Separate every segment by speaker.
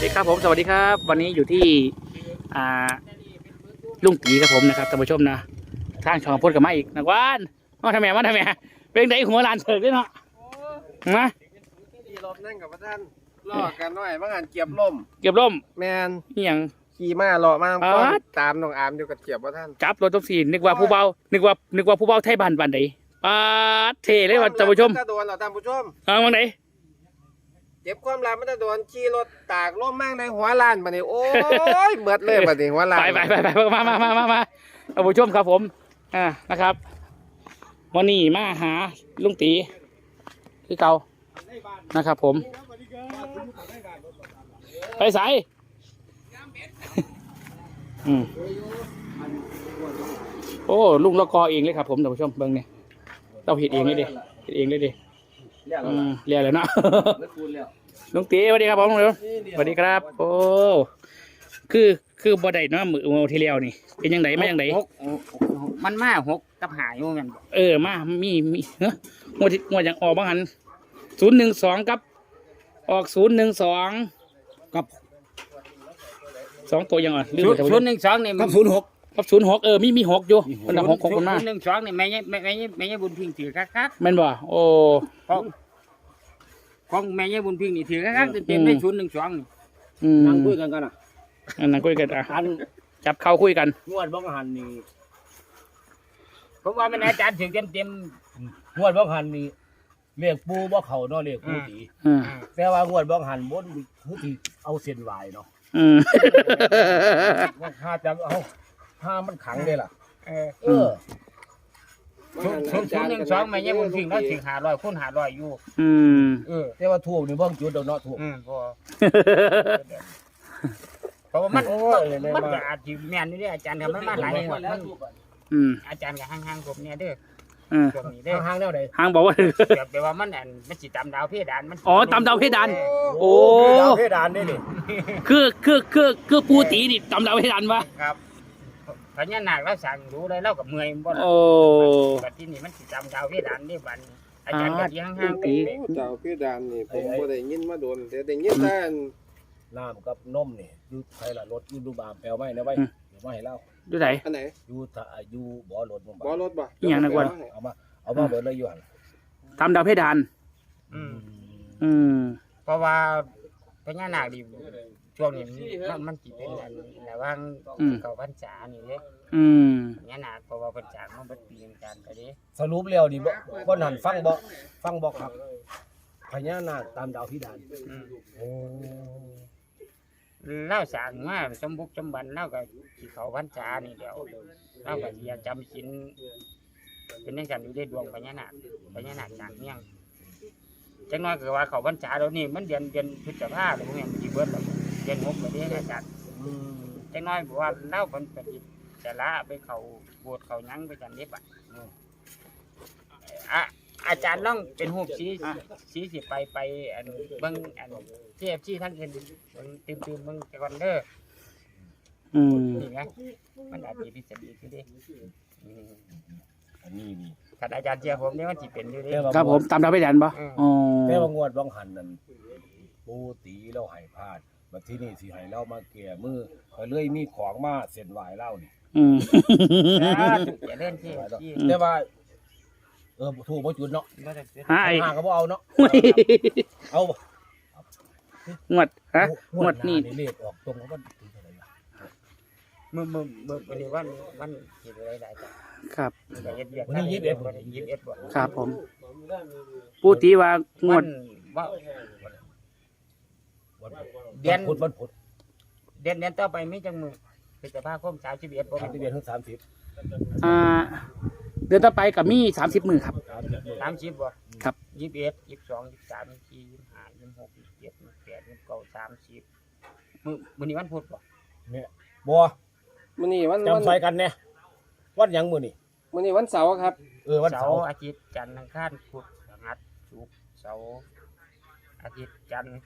Speaker 1: ดีครับผมสวัสดีครับวันนี้อยู่ที่อ่าลุงตีครับผมนะครับท่านผู้ชมนะทางช่องพูดกับมาอีกนักวานมาทำไมเป็นไงหัวลานเถิดด้วยเนาะมา
Speaker 2: ขี่รถนั่งกับพระท่านล่อกันหน่อยบางอันเกียบล่ม
Speaker 1: แมนนี่ยัง
Speaker 2: ขี่มาล่อมาก็ตามน้องอามอยู่กับเกียบพระท่าน
Speaker 1: จับรถทุกสีนึกว่าผู้เบานึกว่าผู้เบาไทยบ้านใดปาเทเลยว่าท่านผู้ชม
Speaker 2: ถ้าโดนเราท่านผู้ชม
Speaker 1: วันไหน
Speaker 2: เจ็บความรักมันจะโดนขี่รถตากล่มมั่งในหัวลานบัดนี้โอ้ยเบิดเลยบัดนี้หัวลาน
Speaker 1: ไปมาท่านผู้ชมครับผมนะครับวันนี้มาหาลุงตีคือเก่านะครับผมไปใส่โอ้ลุงละกอเองเลยครับผมท่านผู้ชมเบิ่งเนี่ยเราเห็ดเองเลยดิเรียกเลยเนาะลุงตีสวัสดีครับผมสวัสดีครับโอ้คือบ่ได้เนาะมือที่แล้วนี่เป็นยังไงมายังไง
Speaker 3: มันมาหกกับหายอยู่แม่นบ่
Speaker 1: มามีเฮ้ยงวดอย่างออกบ้างหัน012กับออก012กับ2ตัวยังอ่ะ
Speaker 3: ลืมไป012นี่
Speaker 1: กับ06กับ06มี6อยู่มัน6คนมา
Speaker 3: 012นี่แม่ยายบุญพิงถือคัก
Speaker 1: ๆแม่นบ่โอ้
Speaker 3: ของแม่ยายบุญพิงนี่ถือคักๆเต็มๆได้012นี่
Speaker 1: นั่งคุยกันนั่งคุยกันจับเข้าคุยกัน
Speaker 4: งวดบ้องหันนี่
Speaker 3: ผมว่ามันอาจารย์ถือเต็ม
Speaker 4: งวดบ้องหันนี่เรียกปูบ่เขาเนาะเรียกปูตีแต่ว่างวดบ้องหันบนคือที่เอาเส้นวายเนาะว่าถ้าจะเอาถ้ามันขังได้ล่ะ
Speaker 3: 012แม่ยายบุญพิงแล้วถือ500คูณ500อยู่
Speaker 4: แต่ว่าทูบนี่บ้องจุดเนาะทูบ
Speaker 3: พอเพราะว่ามันอาจจะแม่นนี่เด้ออาจารย์ทำมันมาหลายงวดมันอาจารย์ก็ห่างๆผมเนี่ยเด้อช่วงนี้เด้อ
Speaker 4: ห่างแนวใด
Speaker 1: ห่างบอกว่า
Speaker 3: แปลว่ามันสิตามดาวเพดานมัน
Speaker 1: ตามดาวเพดานโอ้
Speaker 4: ดาวเพดานนี่
Speaker 1: คือปูตีนี่ตามดาวเพดานวะ
Speaker 3: ครับพญานาคเราสั่งรู้เลยเรากับเมื่อยบ่ล่ะแต่ที่นี่มันสิตามดาวเพดานนี่บัดอาจารย์ก็ห่างๆ
Speaker 2: ปีดาวเพดานนี่ผมบ่ได้ยินมาโดนแต่ได้ยินแต่
Speaker 4: น้ำกับนมนี่อยู่ใครล่ะรถอยู่ดูบามแปลไว้นะไว้เดี๋ยวมาให้เล่า
Speaker 1: ดูไหน
Speaker 2: อันไหน
Speaker 4: อยู่บ่อรถ
Speaker 2: บ่
Speaker 4: บ่
Speaker 1: อย่างนั้นก่อน
Speaker 4: เอามาเบิดเลยอยู่หั่น
Speaker 1: ทำดาวเพดาน
Speaker 3: เพราะว่าพญานาคดิช่วงนี้มันสิเป็นระหว่างเข้าพรรษานี่เด้พญานาคเพราะว่าพรรษามันบ่ปีกันไปเด้
Speaker 4: สรุปแล้วนี่บ่นั่นฟังบ่ครับพญานาคตามดาวเพดาน
Speaker 3: เล่าสั่งมาสมบุกสมบันเล่ากับที่เขาพรรษานี่เดี๋ยวเล่ากับอยากจำศีลเป็นในการอยู่ในดวงพญานาคจางเมี่ยงจังน้อยคือว่าเขาพรรษาแล้วนี่มันเดือนพฤษภาคมหรือพวกนี้มันจีเบิร์ดแล้วเดือน6เลยอาจารย์จังน้อยบอกว่าเล่าคนปฏิจะละไปเขาโบสถ์เขายั้งไปจันเด็บอาจารย์ต้องเป็นหูสีสิไปอันเบิ้งอันที่ทั้งเงินตื่นเบิ้งก่อนเด้อนี่ไงมันอาจจะพิเศษดีขึ้นดิ
Speaker 4: อันนี้
Speaker 3: ถ้าอาจารย์เชื่อผมเนี่ยมันจะเป็นอยู่ดิ
Speaker 1: ครับผมตามดาวเพดานปะ
Speaker 4: แต่ว่างวดบ้องหันนั่นปูตีเราให้พลาดมาที่นี่สิให้เรามาเกี่ยมือก็เลยมีของมาเส้นไหวเล่านี่
Speaker 3: อย่าเล่นที่
Speaker 4: แต่ว่าถูกบ่จุดเนาะห่างก็บ่เอาเนาะเอา
Speaker 1: งวดนี่
Speaker 4: เลขออกตรงว่าถึงเท่าไหร่
Speaker 3: มึงวันนี้วันเห็นอะไรได้จ้ะ
Speaker 1: ครับ
Speaker 4: วันนี้21
Speaker 3: บ่
Speaker 1: ครับผมปูตีว่างวด
Speaker 3: เดือนพุธเดือนต่อไปมีจังมือพฤษภาคม31บ่
Speaker 4: 31ถึง30
Speaker 1: เดือนต่อไปกับมี30 มื้อครับ
Speaker 3: 30บ่
Speaker 1: ครับ
Speaker 3: 21 22 23 24 25 26 27 28 29 30มื้อนี้วันพุธบ่
Speaker 4: เนี่ยบ่
Speaker 2: มื้อนี้วัน
Speaker 4: จำใส่กันเนี่ยวันหยังมื้อ
Speaker 2: นี้วันเสาร์ครับ
Speaker 3: วันเสาร์อาทิตย์จันทร์อังคารพุธพฤหัสศุกร์เสาร์อาทิตย์จันทร์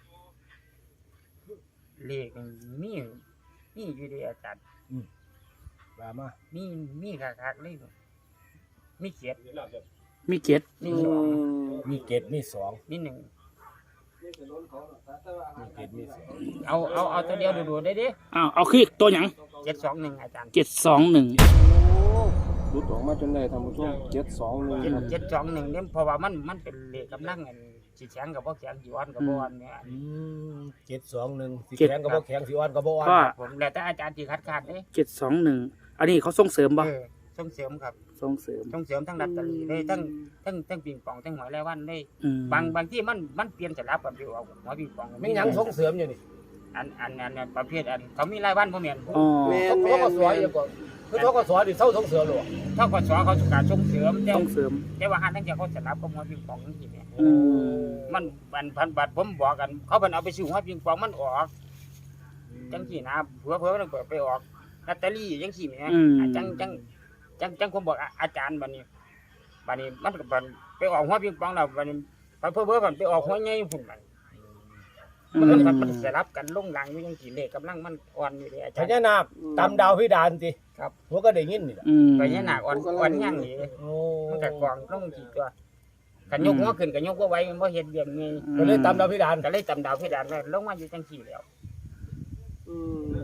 Speaker 3: เลขมีอยู่ดีอาจารย์
Speaker 4: ว่ามา
Speaker 3: มีคักๆเลยมีเกียรติ
Speaker 1: มีเกียรติ
Speaker 4: มี2
Speaker 3: มี1
Speaker 4: มีเกียรติมีมีเสียง
Speaker 3: เอาตัวเดียวดูๆได้ดิ
Speaker 1: เอาคือตัวหยัง
Speaker 3: 721อาจารย์
Speaker 1: 721
Speaker 2: รุดออกมาจนได้ท่านผู้ชม721ครับ
Speaker 3: 721เนี่ยเพราะว่ามันเป็นเลขกำลังอันสิแข็งกับบ่แข็งสิอ่อนกับบ่อ่อนเนี่ย
Speaker 4: 721สิแข็งก็บ่แข็งสิอ่อนก็บ่อ่อน
Speaker 1: ก็
Speaker 3: ผมแล้วแต่อาจารย์สิคัดค้านเด้
Speaker 1: 721อันนี้เขาส่งเสริมบ่
Speaker 3: ส่งเสริมครับ
Speaker 1: ส่งเสริม
Speaker 3: ส่งเสริมทั้งลอตเตอรี่ได้ทั้งปิงปองทั้งหวยรายวันได้
Speaker 1: อืม
Speaker 3: บางที่มันเปลี่ยนสลับกันอยู่เอาหัวปิงปอง
Speaker 4: มีหยังส่งเสริมอยู่นี่
Speaker 3: อันประเภทอันเขามีรายวันบ่แม่น
Speaker 1: อ๋อ
Speaker 2: แม่น
Speaker 4: ทกสอยู่ก่อนคือทกสนี่เซาส่งเสริมหรอ
Speaker 3: ถ้ากสเขาสุการส่งเสริมแต่
Speaker 1: ส่งเสริม
Speaker 3: แต่ว่าหาทั้งจะเขาสลับกับหัวปิงปองจังซี่แหม
Speaker 1: อืม
Speaker 3: มันพันบาทผมบอกกัน เขาเป็นเอาไปซื้อหัวปิงปองมันออกจังซี่นะเผื่อมันไปออกลอตเตอรี่จังซี่แหมจังผมบอกอาจารย์บัดนี้มันก็ไปออกหัวปิงปองแล้วบัดนี้เพิ่นไปออกหัวใหญ่พุ่นบัด มันสลับกันลงหลังอยู่ยังกี่เลขกำลังมันอ่อนอยู่เลยอา
Speaker 4: พ
Speaker 3: จารย์
Speaker 4: ญานาคตำดาวพิดานสิ
Speaker 3: ครับ
Speaker 4: หัวก็ได้ยินนี่แหละ
Speaker 1: อืม
Speaker 3: ไปเนี่ยหนักอ่อนย่างนี่
Speaker 4: โอ้
Speaker 3: มันก็กองลงกี่ตัวกันยกหัวขึ้นกันยกว่าไว้มันบ่เห็นเบียงไง
Speaker 4: ก็เลยตำดาวพิดาน
Speaker 3: ก็เลยตำดาวเพดานไว้ลงมาอยู่จังสี่แล้ว
Speaker 2: อื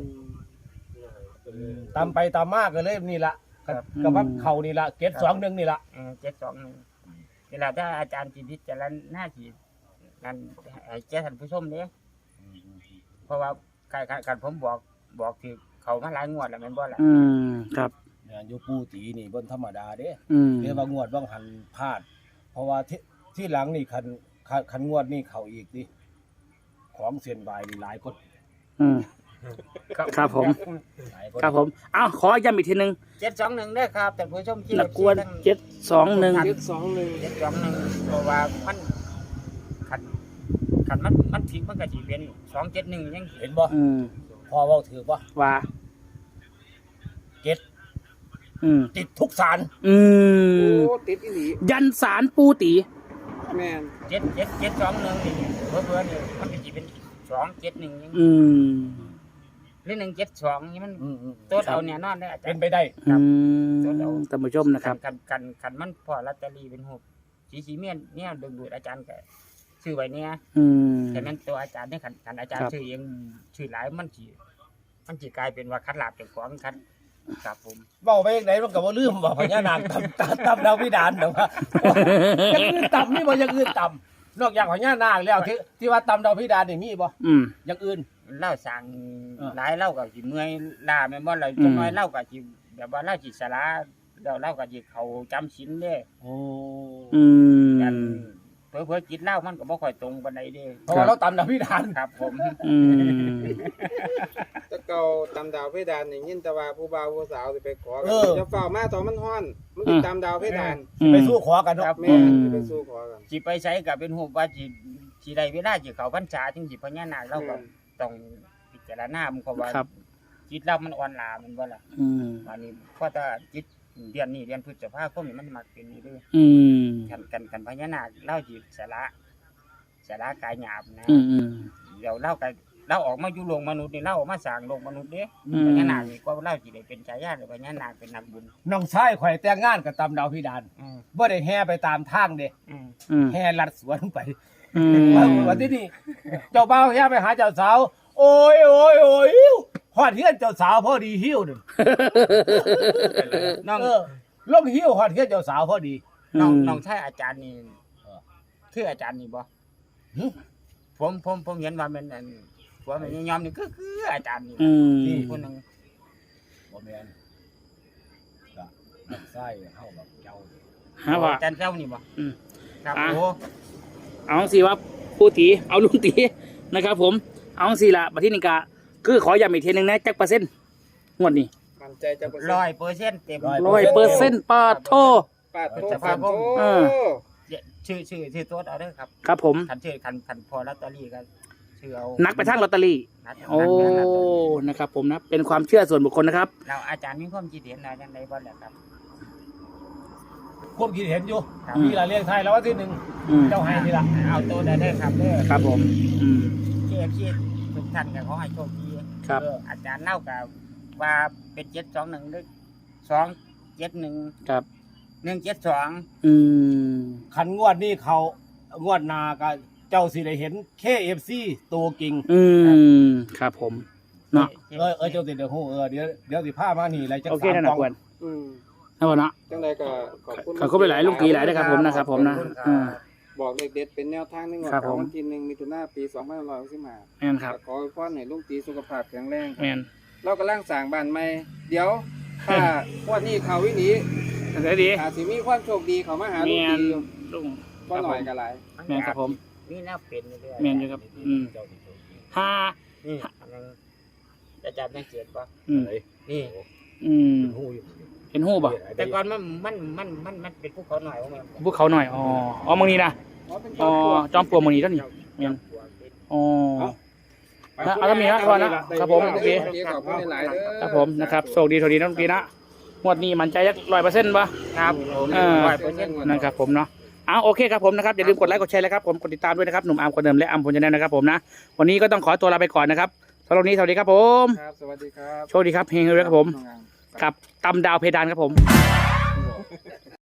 Speaker 2: ม
Speaker 4: ตำไปตำมากก็เลยนี่ละกับว่าเขานี่ละ721นี่ละ
Speaker 3: 721เวลาถ้าอาจารย์จิตพิจารณาสินั่นให้แก่ท่านผู้ชมเด้เพราะว่าการผมบอกคือเขามาหลายงวดแล้วแม่นบ่ล่ะ
Speaker 1: อืมครับ
Speaker 4: เนี่ยอยู่ปูตีนี่บนธรรมดาเด้
Speaker 1: อืม
Speaker 4: เรียกว่างวดว่างหันพลาด เพราะว่าที่หลังนี่คันงวดนี่เขาอีกดิของเส้นบายนี่หลายคน
Speaker 1: อืมครับผม
Speaker 4: หลายคน
Speaker 1: ครับผมขอย้ำอีกทีนึง
Speaker 3: 721เด้อครับท่านผู้ชมที่
Speaker 1: นักกวน721
Speaker 3: 721เพราะว่ามันขันมันผิดมันก็สิเป็น271ยัง
Speaker 4: เห็นบ่
Speaker 1: อืม
Speaker 4: พอเว้าถือบ่
Speaker 1: ว่า
Speaker 4: เจ็ด
Speaker 1: อืม
Speaker 4: ติดทุกสาร
Speaker 1: อืม
Speaker 2: โอ้ติดอีหลี
Speaker 1: ยันสารปูตี
Speaker 2: แม่น
Speaker 3: 721นี่เพื่อนี่มันก็สิเป็น271ยัง
Speaker 1: อืม
Speaker 3: หรือ172นี่มัน
Speaker 4: อืม
Speaker 3: ตัวเอาแน่นอนได้อาจาร
Speaker 4: เป็น
Speaker 3: ย์
Speaker 4: ไปได้
Speaker 1: อืมท่านผู้ชมนะครับ
Speaker 3: กันมันพอลอตเตอรี่เป็นรูปสีเมียนเนี่ยดึงดูดอาจารย์ก็ชื่อไว้เนี่ย
Speaker 1: อืม
Speaker 3: แต่นั้นตัวอาจารย์เนี่ยคันอาจารย์
Speaker 1: ครับ
Speaker 3: ชื่อเองชื่อหลายมันสิกลายเป็นว่าคัดลาบเจ้าของคัดครับผม
Speaker 4: เว้าไปจังไดมันก็บ่ลืมว่าพญานาคตำดาวพิดานเด้อว่าอย่างอื่นตำนี่บ่อย่างอื่นตำนอกจากพญานาคแล้วที่ว่าตำดาวพิดานนี่มีบ่
Speaker 1: อืม
Speaker 4: อย่างอื่น
Speaker 3: เล่าสั่ง
Speaker 4: เออ
Speaker 3: หลายเล่าก็สิเมื่อยลาแม่นบ่ล่ะ
Speaker 1: อืม
Speaker 3: จังน้อยเล่าก็สิแบบว่าเล่าสิสาระแล้วเล่าก็สิเขาจำศีลเด้
Speaker 4: โอ้
Speaker 1: อืม
Speaker 3: กันเพิ่นจิตเล่ามันก็บ่ค่อยตรงปานใดเด้
Speaker 4: เพราะว่าเราตำดาวพิดาน
Speaker 3: ครับผม
Speaker 1: อืม
Speaker 2: แตะเก่าตามดาวเพดานนี่ยินแต่ว่าผู้บ่าวผู้สาวสิไปขอกันจะเฝ้ามาตอนมันฮ้อน มันติดตามดาวเพดาน
Speaker 4: ไปสู้ขอกันเนาะ
Speaker 2: แม่นสิไปสู้ขอกัน
Speaker 3: สิไปใช้ก็เป็นรูปว่าสิได้เวลาสิเข้าพรรษาจึงสิพญานาคเราก็ต้องพิจารณามันก็ว่า
Speaker 1: ครับ
Speaker 3: จิตเรามันอ่อนล้ามันบ่ล่ะ
Speaker 1: อืม
Speaker 3: อันนี้เพราะถ้าจิตเดือนนี้เดือนพฤษภาคมนี่มันมักเป็นนี่เด้อ
Speaker 1: อืม
Speaker 3: กันพญานาคเล่าจิตสาระกายหยาบนะ
Speaker 1: อืมอืม
Speaker 3: เดี๋ยวเล่ากันเราออกมาอยู่โลกมนุษย์นี่เล่าออกมาสร้างโลกมนุษย์เด้
Speaker 1: อืม
Speaker 3: พญานาคนี่ก็เล่าสิได้เป็นฉายาเลยพญานาคเป็นนักบุญ
Speaker 4: น้องชายข่อยแต่งงานกับตำดาวพิดาน
Speaker 3: อืม
Speaker 4: บ่ได้แห่ไปตามทางเด้
Speaker 3: อืม
Speaker 1: อืม
Speaker 4: แห่ลัดสวนไป
Speaker 1: อืม
Speaker 4: วันที่นี่เจ้าบ่าวแห่ไปหาเจ้าสาว โอ้ยฮอดเฮือนเจ้าสาวพอดีหิ้วนึง
Speaker 3: น้อง
Speaker 4: ลงหิ้วฮอดเฮือนเจ้าสาวพอดี
Speaker 3: น้องชายอาจารย์นี่
Speaker 4: เออ
Speaker 3: คืออาจารย์นี่บ่
Speaker 4: หึ
Speaker 3: ผมเห็นว่ามันอันว่ามันยอมนี่คืออาจารย์นี่
Speaker 1: อืม
Speaker 4: ที่
Speaker 3: คนหนึง
Speaker 4: บ่แม่นก็น้องชายเฮาแบบเจ้า
Speaker 1: ฮะว่า
Speaker 3: อาจารย์เจ้านี่บ่
Speaker 1: อืม
Speaker 3: ครับ
Speaker 1: อ่ะ
Speaker 3: โอ้
Speaker 1: เอาสิว่าผู้ตีเอาลุงตีนะครับ ผม เอาสิละบัดที่นี่กะคือขอย้ำอีกทีหนึงนะจักเปอร์เซ็นต์งวดนี้
Speaker 2: มั่นใจจะเปอร์เซ็นต์
Speaker 3: 100%เต็ม
Speaker 1: 100%ปาดโท
Speaker 2: ปาดโท
Speaker 3: จะ
Speaker 2: ปาดโท
Speaker 1: เออ
Speaker 3: ชื่อตัวเอาเด้อครับ
Speaker 1: ครับผม
Speaker 3: คันพอลอตเตอรี่ก็ชื่อเอา
Speaker 1: นักไปทางลอตเตอรี่
Speaker 3: นัก
Speaker 1: โอ้ นะครับผมนะ เป็นความเชื่อส่วนบุคคลนะครับ
Speaker 3: เราอาจารย์มีความคิดเห็นอะไรจังไดบ่ล่ะครับ
Speaker 4: ความคิดเห็นอยู่
Speaker 3: ครับ
Speaker 4: มีละเรียงไทยแล้วว่าที่หนึ่ง
Speaker 1: อืม
Speaker 4: เจ้าให้นี่ละ
Speaker 3: เอาตัวได้เด้อครับเด้อ
Speaker 1: ครับผม อืม
Speaker 3: ที่ทุกท่านก็ขอให้โชคดี
Speaker 1: ครับ
Speaker 3: อาจารย์เล่ากับว่าเป็น721หรือ271
Speaker 1: ครับ
Speaker 3: 172
Speaker 1: อืม
Speaker 4: ขันงวดนี่เขางวดนาก็เจ้าสิได้เห็น KFC ตัวจริง
Speaker 1: ครับผมเนาะ
Speaker 4: เจ้าสิเดี๋ยวฮู้เดี๋ยวสิพามานี่อะไรจัก
Speaker 1: โอเค
Speaker 4: 3
Speaker 1: นั่น
Speaker 4: กล่
Speaker 1: น่ะ
Speaker 4: อง
Speaker 1: ควร
Speaker 2: อืม
Speaker 1: นะพ่อเนาะ
Speaker 2: จังไดก็ขอบคุณ
Speaker 1: ขอบคุณหลายๆลุงกีหลายด้วยครับผมนะครับผมนะ
Speaker 2: บอกเลขเด็ดเป็นแนวทางหนึงว่า
Speaker 1: ครับผม
Speaker 2: วันที่1มิถุนายนปี2565
Speaker 1: แม่นครับ
Speaker 2: ขอให้พ่อให้ลุงตีสุขภาพแข็งแรง
Speaker 1: แม่น
Speaker 2: เรากำลังสร้างบ้านใหม่เดี๋ยวถ้างวดนี้เขาวิหนี
Speaker 1: ได้ดี
Speaker 2: อาจสิมีความโชคดีเขามาหาลุง
Speaker 1: แม่น
Speaker 2: ตีอยู่
Speaker 1: ลุง
Speaker 2: บ่หน่อยก็หลาย
Speaker 1: แม่นครับผม
Speaker 3: นี่น่าเป็นเรื่อยๆ
Speaker 1: แม่นอยู่ครับห้า
Speaker 3: นี่อันนั้นอาจารย์สังเกตป่ะ
Speaker 1: อืม
Speaker 3: นี่
Speaker 1: เห็นหูบ่
Speaker 3: แต่ก่อนมันเป็นภูเขาหน่อยว่ามัน
Speaker 1: พวกเขาหน่อยอ๋อมึงนี่นะ
Speaker 2: เป็น
Speaker 1: อ๋อจอมปลวกมึงนี่ต้นนี่แม่นอ๋อ เอาแล้วมีนะก่อนนะครับผมโอเค
Speaker 2: ขอบคุณหลายๆเด้อ
Speaker 1: ครับผมนะครับโชคดีโชคดีนะลุงกีนะงวดนี้มันใจยัก100%ป่ะ
Speaker 3: ครับผม
Speaker 1: 100%นะครับผมเนาะโอเคครับผมนะครับอย่าลืมกดไลค์กดแชร์เลยครับผมกดติดตามด้วยนะครับหนุ่มอาร์มคนเดิมและอัมพลชาแนลนะครับผมนะวันนี้ก็ต้องขอตัวลาไปก่อนนะครับสำหรับวันนี้สวัสดีครับผม
Speaker 2: ครับสวัสดีครับ
Speaker 1: โชคดีครับเฮงเลยครับผมกับตำดาวเพดานครับผม